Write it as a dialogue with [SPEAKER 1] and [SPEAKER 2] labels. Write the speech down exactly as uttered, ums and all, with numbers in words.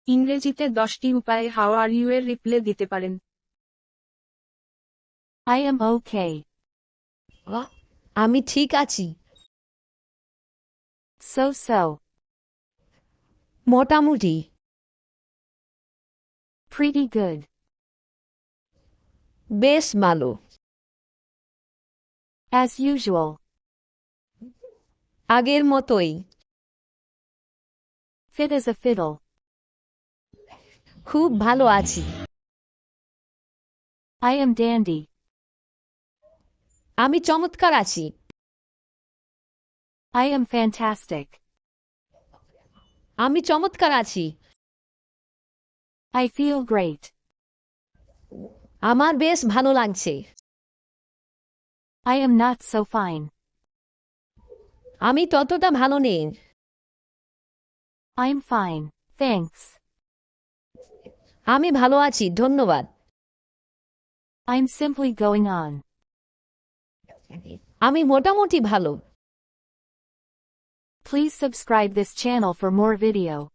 [SPEAKER 1] ইংরেজিতে দশটি উপায়ে হাউ আর ইউ এর রিপ্লে দিতে পারেন।
[SPEAKER 2] I am okay.
[SPEAKER 3] আহ, আমি ঠিক আছি।
[SPEAKER 2] So so.
[SPEAKER 3] মোটামুটি।
[SPEAKER 2] Pretty good.
[SPEAKER 3] বেশ ভালো।
[SPEAKER 2] As usual.
[SPEAKER 3] আগের মতোই।
[SPEAKER 2] Fit as a fiddle.
[SPEAKER 3] খুব ভালো আছি।
[SPEAKER 2] I am dandy.
[SPEAKER 3] আমি চমৎকার আছি।
[SPEAKER 2] I am fantastic.
[SPEAKER 3] আমি চমৎকার আছি।
[SPEAKER 2] I feel great.
[SPEAKER 3] আমার বেশ ভালো লাগছে।
[SPEAKER 2] I am not so fine.
[SPEAKER 3] আমি ততটা ভালো নেই।
[SPEAKER 2] I'm fine. Thanks.
[SPEAKER 3] আমি ভালো আছি, ধন্যবাদ।
[SPEAKER 2] I'm simply going on.
[SPEAKER 3] আমি মোটামুটি ভালো।
[SPEAKER 2] Please subscribe this channel for more video.